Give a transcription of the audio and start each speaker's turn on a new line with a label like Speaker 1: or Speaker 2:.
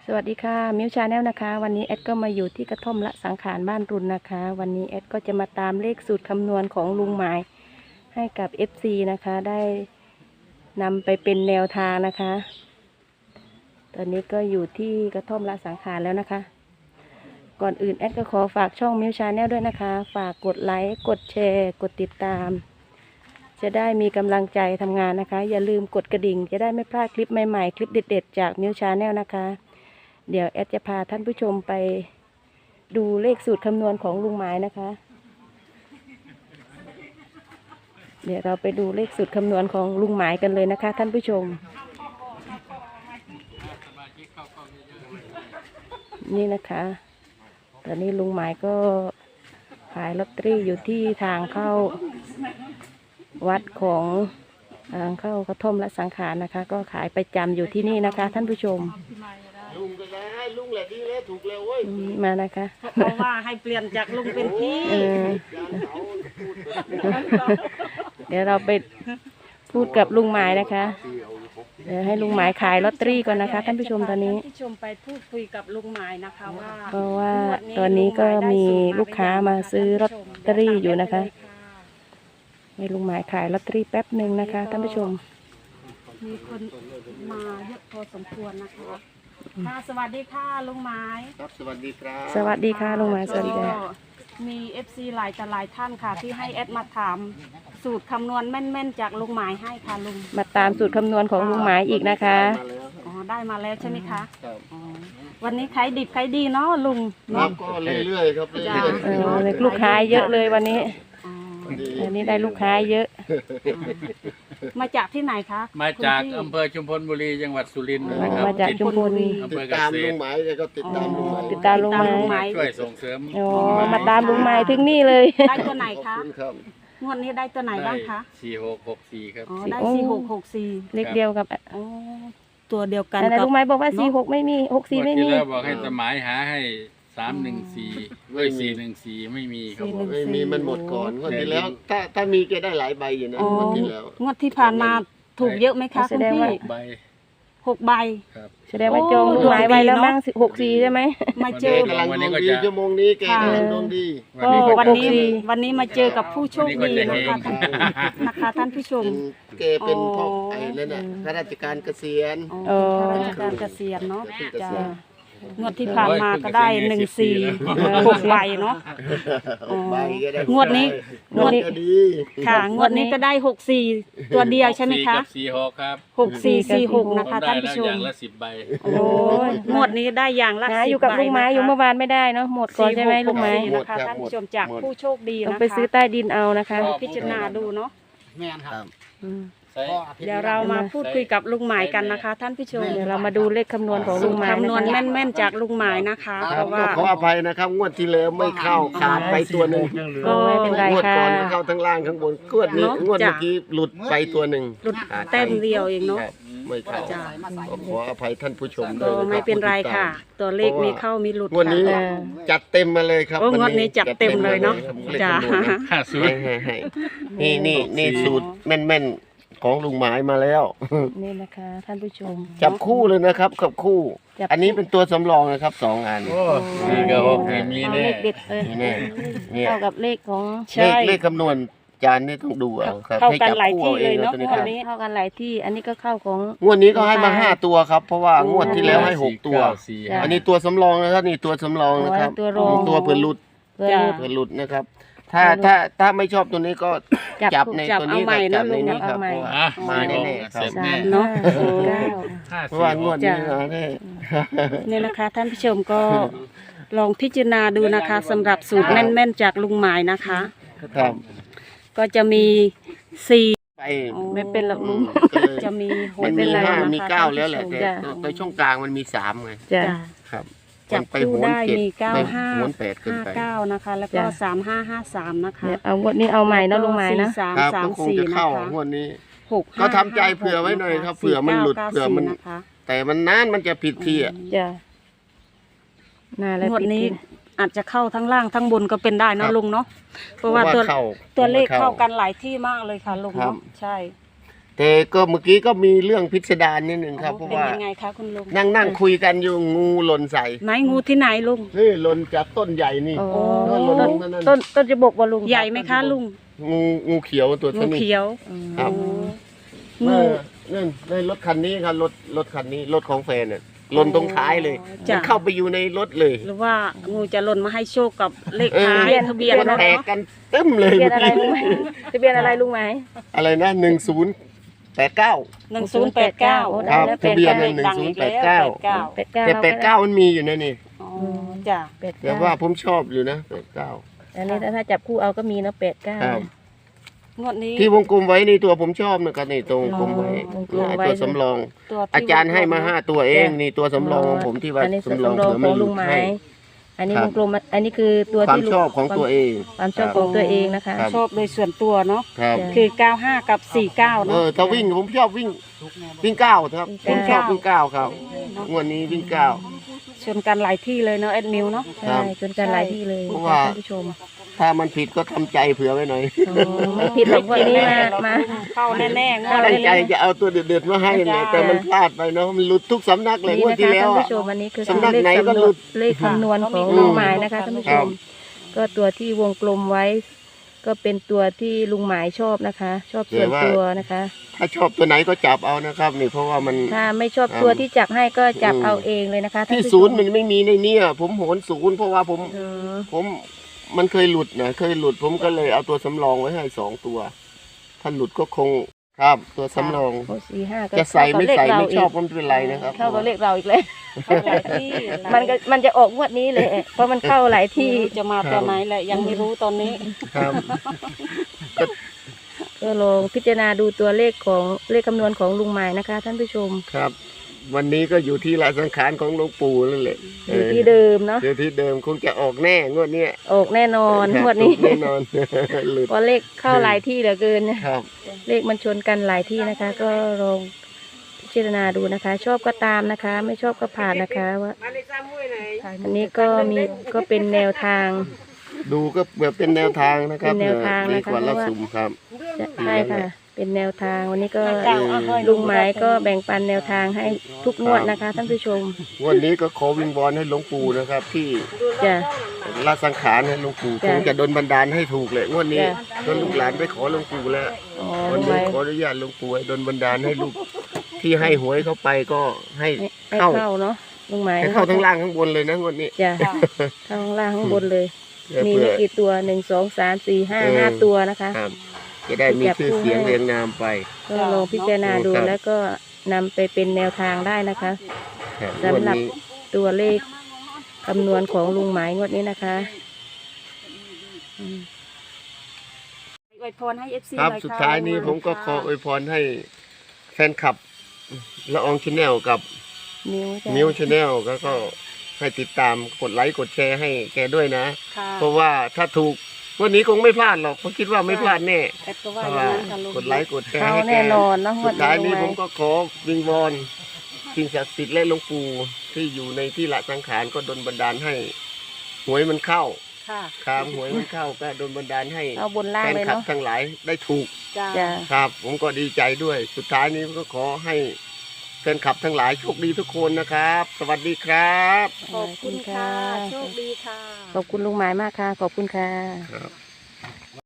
Speaker 1: สวัสดีค่ะมิวชาแนลนะคะวันนี้แอดก็มาอยู่ที่กระท่อมละสังขารบ้านรุนนะคะวันนี้แอดก็จะมาตามเลขสูตรคำนวณของลุงหมายให้กับ FC นะคะได้นำไปเป็นแนวทางนะคะตอนนี้ก็อยู่ที่กระท่อมละสังขารแล้วนะคะก่อนอื่นแอดก็ขอฝากช่องมิวชาแนลด้วยนะคะฝากกดไลค์กดแชร์กดติดตามจะได้มีกำลังใจทำงานนะคะอย่าลืมกดกระดิ่งจะได้ไม่พลาดคลิปใหม่ๆคลิปเด็ดๆจากมิวชาแนลนะคะเดี๋ยวแอดจะพาท่านผู้ชมไปดูเลขสูตรคำนวณของลุงหมายนะคะเดี๋ยวเราไปดูเลขสูตรคำนวณของลุงหมายกันเลยนะคะท่านผู้ชมนี่นะคะตอนนี้ลุงหมายก็ขายลอตเตอรี่อยู่ที่ทางเข้าวัดของทางเข้ากระท่อมละสังขารนะคะก็ขายประจำอยู่ที่นี่นะคะท่านผู้ชม
Speaker 2: ลุงก็ได้ให้ลุงแหละดีแล้วถูกแล้วเว้ย
Speaker 1: มานะคะ
Speaker 3: เพราะว่าให้เปลี่ยนจากลุงเป็นพี่
Speaker 1: เดี๋ยวเราไปพูดกับลุงหมายนะคะเดี๋ยวให้ลุงหมายขายลอตเตอรี่ก่อนนะคะท่านผู้ชมตอนนี้
Speaker 3: ท่านผู้ชมไปพูดคุยกับลุงหมายนะคะว่า
Speaker 1: เพราะว่าตอนนี้ก็มีลูกค้ามาซื้อลอตเตอรี่อยู่นะคะให้ลุงหมายขายลอตเตอรี่แป๊บหนึ่งนะคะท่านผู้ชม
Speaker 3: มีคนมาเยอะพอสมควรนะคะค่ะสวัสดีค่ะลุงหมาย
Speaker 2: ครับสวัสดีครับ
Speaker 1: สวัสดีค่ะลุงหมายสวัสดีค่ะ
Speaker 3: มี FC หลายท่านค่ะที่ให้แอดมาถามสูตรคำนวณแม่นๆจากลุงหมายให้ค่ะลุง
Speaker 1: มาตามสูตรคำนวณของลุงหมายอีกนะคะ
Speaker 3: อ๋อได้มาแล้วใช่ไหมคะวันนี้ขายดิบขายดีเนาะลุง
Speaker 2: ครับก็เรื่อยๆครับเรื่อย
Speaker 1: ๆลูกค้าเยอะเลยวันนี้วันนี้ได้ลูกค้าเยอะ
Speaker 3: มาจากที่ไหนคะ
Speaker 4: มาจากอำเภอชุมพลบุรีจังหวัดสุรินทร์นะครับ
Speaker 1: มาจากชุมพล
Speaker 2: ติดตามลุงหมายก็ติดตามลุงหมาย
Speaker 1: ติดตามลุงหมาย
Speaker 4: ช่วยส่งเสริม
Speaker 1: มาตามลุงหมายถึงนี่เลย
Speaker 3: ได้ตัวไหนคะงวดนี้ได้ตัวไหนบ้างคะ
Speaker 4: 4664ครับ
Speaker 3: ได้4664
Speaker 1: เลขเดียวกับ
Speaker 3: ตัวเดียวกัน
Speaker 1: แต่ลุงหมายบอกว่า46ไม่มี64ไม่มี
Speaker 4: แล้วบอกให้สมัยหาให้314ด้วย414ไม่มีครับ
Speaker 2: ไม่มีมันหมดก่อนงวดที่แล้วถ้ามีแกได้หลายใบอยู่นะงวดที่แล้ว
Speaker 3: งวดที่ผ่านมาถูกเยอะไหมคะคุณพี่6 ใบ
Speaker 1: แสดงว่าจองลุงหมายไว้แล้วมั้ง64ใช่ไหม
Speaker 3: มาเจอก
Speaker 2: ำลังดวงดีชั่วโมงนี้แกกำลังดวงดี
Speaker 3: ก็วันนี้มาเจอกับผู้โชคดีนะคะท่านผู้ชม
Speaker 2: แกเป็นพ่อไอ้นั่นน่ะข้าราชการเกษียณ
Speaker 3: ข้าราชการเกษียณเนาะงวดที่ผ่านมาก็ได้6 ใบเนาะงวดนี้ค่ะงวดนี้ก็ได้64ตัวเดียวใช่ไหมคะ
Speaker 4: 46ครับ
Speaker 3: 6446นะคะท่านผู้ชม
Speaker 4: อย่างละ10 ใบ
Speaker 3: โอ้งวดนี้ได้อย่างละ10 ใบ
Speaker 1: อยู่กับลุงไม้อยู่เมื่อวานไม่ได้เนาะหมดก่อนใช่ไหมลุงไม้
Speaker 3: นะคะท่านผู้ชมจากผู้โชคดีนะคะ
Speaker 1: ไปซื้อใต้ดินเอานะคะ
Speaker 3: พิจารณาดูเนาะแม่นครับเดี๋ยวเรามาพูดคุยกับลุงหมายกันนะคะท่านผู้ชม
Speaker 1: เดี๋ยวเรามาดูเลขคำนวณของลุงหมาย
Speaker 3: คำนวณแม่นๆจากลุงหมายนะคะเพราะว่า
Speaker 2: ขออภัยนะครับงวดที่แล้วไม่เข้าขาดไปตัวหนึ่ง
Speaker 1: ก็ไม่เป็นไรง
Speaker 2: วดก่อนเข้าทั้งล่างข้างบนงวดนี้งวดเมื่อกี้หลุดไปตัวหนึ่ง
Speaker 3: หลุดแต้มเดียวเองเนาะ
Speaker 2: ไม่เข้าขออภัยท่านผู้ชม
Speaker 3: ก็ไม่เป็นไรค่ะตัวเลขมีเข้ามีหลุด
Speaker 2: งวดนี้จัดเต็มมาเลยครับ
Speaker 3: งวดนี้จัดเต็มเลยเนาะจ้า
Speaker 2: นี่สูตรแม่นของลุงหมายมาแล้ว
Speaker 1: นี่นะคะท่านผู้ชม
Speaker 2: จับคู่เลยนะครับกับคู่อันนี้เป็นตัวสำรองนะครับ2 อัน
Speaker 4: นี่ก็มี
Speaker 1: เลขเด็ดเลยเข้ากับเลขของ
Speaker 2: เลขคำนวณจานนี่ต้องดูเอาครับ
Speaker 3: เข้ากันหลายที่เลยเนาะ
Speaker 1: งวดนี้เข้ากันหลายที่อันนี้ก็เข้าของ
Speaker 2: งวดนี้ก็ให้มา5 ตัวครับเพราะว่างวดที่แล้วให้6 ตัวอันนี้ตัวสำรองนะครับนี่ตัวสำรองนะครับตัวเผื่อหลุดนะครับถ้าไม่ชอบตัวนี้ก็จับในตัวนี้จับในนี้ครับมาแน่ๆครับ
Speaker 3: เนาะ
Speaker 2: เพราะว่างวดนี้นะ
Speaker 3: เนี่ยนะคะท่านผู้ชมก็ลองพิจารณาดูนะคะสำหรับสูตรแม่นๆจากลุงหมายนะคะ
Speaker 2: ครับ
Speaker 3: ก็จะมี4
Speaker 2: ไป
Speaker 1: ไม่เป็นหรอกลุง
Speaker 3: จะมี
Speaker 2: มันมี5มี9แล้วแหละแต่ตัวช่องกลางมันมี3ไงครับ
Speaker 3: จับคู่ได้มี9559นะคะแล้วก็3553นะคะ
Speaker 1: เอางวดนี้เอาใหม่นะลุงหมายนะ
Speaker 2: 334นะคะงวดนี้ก็ทำใจเผื่อไว้หน่อยครับเผื่อมันหลุดเผื่อมันแต่มันนานมันจะผิดที่อ่ะ
Speaker 3: งวดนี้อาจจะเข้าทั้งล่างทั้งบนก็เป็นได้นะลุงเนาะเพราะว่าตัวเลขเข้ากันหลายที่มากเลยค่ะลุงเนาะใช่
Speaker 2: แต่ก็เมื่อกี้ก็มีเรื่องพิสดารนิดหนึ่งครับเพราะ
Speaker 3: เป็น
Speaker 2: ว่า
Speaker 3: ยังไงคะคุณลุง
Speaker 2: นั่งคุยกันอยู่งูหล่นใส่
Speaker 3: ไหนงูที่ไหนลุง
Speaker 2: นี่หล่นจากต้นใหญ่นี่
Speaker 1: โอ้
Speaker 2: ก็หล่นลงนั่น
Speaker 1: ต้นจะบกบ่ลุง
Speaker 3: ใหญ่ไหมคะลุง
Speaker 2: งูเขียวตัว
Speaker 3: งู
Speaker 2: เท่านี้
Speaker 3: เขียว
Speaker 2: ครับ
Speaker 3: งู
Speaker 2: นั่นรถคันนี้ครับรถคันนี้รถของแฟนเนี่ยหล่นตรงท้ายเลย
Speaker 3: จ้ะ
Speaker 2: มันเข้าไปอยู่ในรถเลย
Speaker 3: หรือว่างูจะหล่นมาให้โชคกับเลข
Speaker 2: เออ
Speaker 3: ท้ายทะเบียน
Speaker 2: มัน
Speaker 3: รถ
Speaker 2: แตก
Speaker 3: เนาะ
Speaker 2: กันเต็มเลย
Speaker 1: ทะเบียนอะไรลุงไหมทะเบียนอะไรลุงไหม
Speaker 2: อะไรนะ1089
Speaker 3: 1089
Speaker 1: โอ้
Speaker 2: ครับ
Speaker 1: ได้แล้ว
Speaker 2: ทะเบียน
Speaker 1: 89
Speaker 2: หนึ่ง
Speaker 3: ดังอีกแล้ว89
Speaker 2: แต่89มันมีอยู่นะนี่
Speaker 3: อ๋อจ้ะ
Speaker 2: แต่ว่าผมชอบอยู่นะ89
Speaker 1: อันนี้ถ้าจับคู่เอาก็มีเนาะ89
Speaker 2: ครับ
Speaker 3: งวดนี้
Speaker 2: ที่วงกลมไว้ในตัวผมชอบนะครับนี่ตัววงกลมไว้
Speaker 1: วงกลมไว้
Speaker 2: ตัวสำรอง
Speaker 3: ตัวที่
Speaker 2: อาจารย์ให้มา5ตัวเอง
Speaker 1: จ้ะ
Speaker 2: นี่ตัวสำรองของผมที่ว่า
Speaker 1: อันนี้
Speaker 2: สำรอง
Speaker 1: สำรอง
Speaker 2: เผื่อ
Speaker 1: ข
Speaker 2: ไม่
Speaker 1: อง
Speaker 2: ห
Speaker 1: ลุ
Speaker 2: ลุ
Speaker 1: ง
Speaker 2: ด
Speaker 1: ไม้
Speaker 2: ให้
Speaker 1: อันนี้
Speaker 2: ครั
Speaker 1: ว
Speaker 2: บ
Speaker 1: งกลมอันนี้คือตัว
Speaker 2: ความ
Speaker 1: ที่ลุง
Speaker 2: ชอบของตัวเอง
Speaker 1: ความชอบของตัวเองนะคะ
Speaker 2: ครับ
Speaker 3: ชอบโดยส่วนตัวเนาะ
Speaker 2: ครับ
Speaker 3: คือ 95 กับ 49 เนาะ
Speaker 2: ถ้าวิ่งผมชอบวิ่ง9ครับผมชอบวิ่ง9ครับงวดนี้วิ่ง9
Speaker 3: ชนกันหลายที่เลยเนาะแอดมิวเนาะ
Speaker 2: ครั
Speaker 1: ใช่
Speaker 2: บ
Speaker 1: จนกันหลายที่เลย
Speaker 2: เพราะว่า
Speaker 1: ท่านผู้ชม
Speaker 2: ถ้ามันผิดก็ทำใจเผื่อไว้หน่อย
Speaker 1: อ๋อไม่ผิดหรอกวันนี้มา
Speaker 3: เข้าแน่ๆงวด
Speaker 2: ตั้ง
Speaker 3: นี้
Speaker 2: ใจจะเอาตัวเด็ดๆมาให้เนี่ยแต่มันพลาดไปเนาะมันหลุดทุกสำนักเลย
Speaker 1: นี่
Speaker 2: งวด
Speaker 1: นะ
Speaker 2: ที่
Speaker 1: คะ
Speaker 2: แล้
Speaker 1: ท่า
Speaker 2: วน อะ
Speaker 1: ผู้ชมอันนี้คือ
Speaker 2: สำนัก
Speaker 1: เลข
Speaker 2: ไหนก็
Speaker 1: คำน
Speaker 2: หลุ
Speaker 1: วณ
Speaker 2: ด
Speaker 1: เลขคำนวณของ
Speaker 2: อืม
Speaker 1: ลุงหมายนะคะท่านผู้ช
Speaker 2: ครั
Speaker 1: ม
Speaker 2: บ
Speaker 1: ก็ตัวที่วงกลมไว้ ก็เป็นตัวที่ลุงหมายชอบนะคะ ชอบส่วนตัวนะคะ
Speaker 2: ถ้าชอบตัวไหนก็จับเอานะครับนี่เพราะว่ามัน
Speaker 1: ถ้าไม่ชอบตัวที่จับให้ก็จับเอาเองเลยนะคะท่าน
Speaker 2: ที่
Speaker 1: ผู้ช
Speaker 2: ศูนย์มันไม่มีในเนี่ยผมโหนศูนย์เพราะว่าผม
Speaker 1: อ๋อ
Speaker 2: มันเคยหลุดนะเคยหลุดผมก็เลยเอาตัวสำรองไว้ให้2ตัว ถ้าหลุดก็คงครับตัวสำรอง
Speaker 1: โอ้4-5ก็
Speaker 2: จะใส่ไม่ใส่
Speaker 1: เข้า
Speaker 2: ไม่
Speaker 1: กับเลข
Speaker 2: ชอบ
Speaker 1: เรา
Speaker 2: ก็ไม่เป็นไรนะครับ
Speaker 1: เข้ากับเลขเราอีกเลย
Speaker 3: เข้าหลายที่
Speaker 1: มันจะออกงวดนี้เลย เพราะมันเข้าหลายที่
Speaker 3: จะมาตอนไหนแหละยังไม่รู้ตอนนี้
Speaker 2: ครับ
Speaker 1: ก็ลองพิจารณาดูตัวเลขของเลขคำนวณของลุงหมายนะคะ ท่านผู้ชม
Speaker 2: ครับ วันนี้ก็อยู่ที่ละสังขารของหลวงปู่นั่นแหละ
Speaker 1: อยู่ที่เดิมเนาะ
Speaker 2: อยู่ที่เดิมคงจะออกแน่งวดเนี้ย
Speaker 1: ออกแน่นอนงวดนี้
Speaker 2: แน่นอน หลุด
Speaker 1: เพราะเลขเข้าหลายที่เหลือเกิน
Speaker 2: ครับ
Speaker 1: เลขมันชนกันหลายที่นะคะ ก็ลองพิจารณาดูนะคะ ชอบก็ตามนะคะ ไม่ชอบก็ผ่านนะคะว่าอันนี้ก็เป็นแนวทาง
Speaker 2: ดูก็แบบเป็นแนวทางนะครับ
Speaker 1: เป็นแนวทาง
Speaker 2: ดี
Speaker 1: นะคะ
Speaker 2: กว่าละ
Speaker 1: เพราะว่า
Speaker 2: สุ่มครับ
Speaker 1: ใช่ค่ะ เป็นแนวทางวันนี้ก็
Speaker 2: เออ
Speaker 1: ลุงหมายก็แบ่งปันแนวทางให้ทุกงวดนะคะ ท่านผู้ชม
Speaker 2: วันนี้ก็ขอวิงวอนให้หลวงปู่นะครับ ที่
Speaker 1: จ้ะ
Speaker 2: ละสังขารให้หลวงปู่ค
Speaker 1: จ้ะ
Speaker 2: งจะดลบันดาลให้ถูกเลยงวดนี้
Speaker 1: จ้ะ
Speaker 2: จนลูกหลานไปขอหลวงปู่แล้ว
Speaker 1: อ๋อ
Speaker 2: วัน
Speaker 1: ลุงห
Speaker 2: นี้
Speaker 1: มาย
Speaker 2: ขออนุญาตหลวงปู่ให้ดลบันดาลให้ลูกที่ให้หวยเข้าไปก็ให้
Speaker 1: ให้
Speaker 2: เข้า
Speaker 1: เข้าเนาะลุงหมาย
Speaker 2: ให้เข้าทั้งล่างข้างบนเลยนะงวดนี้
Speaker 1: จ้ะเข้าข้างล่างข้างบนเลย มี
Speaker 2: เพื่อ
Speaker 1: กี่ตัว1 2 3 4 5 5ตัวนะคะ
Speaker 2: ครับจะได้มีชื่อเสียงเรียงนามไป
Speaker 1: ก็ลองพิจารณาดู
Speaker 2: ครับ
Speaker 1: แล้วก็นำไปเป็นแนวทางได้นะคะ
Speaker 2: ครับ
Speaker 1: สำหรับ
Speaker 2: งวดนี้
Speaker 1: ตัวเลขคำนวณของลุงหมายงวดนี้นะคะอืม
Speaker 3: อวยพรให้ FC
Speaker 2: ครับ
Speaker 3: หน่อย
Speaker 2: สุด
Speaker 3: ค่ะ
Speaker 2: ท้ายนี้ผมก็ขออวยพรให้แฟนคลับละอองชาแนลกับ
Speaker 1: นิ้วจ้ะ
Speaker 2: มิวชาแนลก็ให้ติดตามกดไลค์กดแชร์ให้แกด้วยนะ
Speaker 3: ค่ะ
Speaker 2: เพราะว่าถ้าถูกวันนี้คงไม่พลาดหรอกเพราะคิดว่าไม่พลาดแน่
Speaker 3: แอดก็
Speaker 2: เพ
Speaker 3: ว่า
Speaker 2: ราะ
Speaker 3: อย่าง
Speaker 2: ว่า
Speaker 3: นั้นค่ะลุง
Speaker 2: กดไลค์กดแชร์
Speaker 1: เข้า
Speaker 2: ให้แก
Speaker 1: แน่นอนเนาะงว
Speaker 2: สุ
Speaker 1: ด
Speaker 2: ดท้ายนี้
Speaker 1: ลุงห
Speaker 2: ผมก็ขอวิงวอนสิ่งศักดิ์สิทธิ์และหลวงปู่ที่อยู่ในที่ละสังขารก็ดลบันดาลให้หวยมันเข้า
Speaker 3: ค่ะ
Speaker 2: ครับหวยมันเข้าก็ดลบันดาลให้
Speaker 1: เอาบนล่าง
Speaker 2: แฟน
Speaker 1: เลย
Speaker 2: คลับ
Speaker 1: เนาะ
Speaker 2: ทั้งหลายได้ถูก
Speaker 3: จ้า
Speaker 1: จ้ะ
Speaker 2: ครับ ผมก็ดีใจด้วย สุดท้ายนี้ก็ขอให้แฟนคลับทั้งหลายโชคดีทุกคนนะครับ สวัสดีครับ
Speaker 3: ขอบคุณค่ะ โชคดีค่ะ
Speaker 1: ขอบคุณลุงหมายมากค่ะ ขอบคุณค่ะ
Speaker 2: ครับ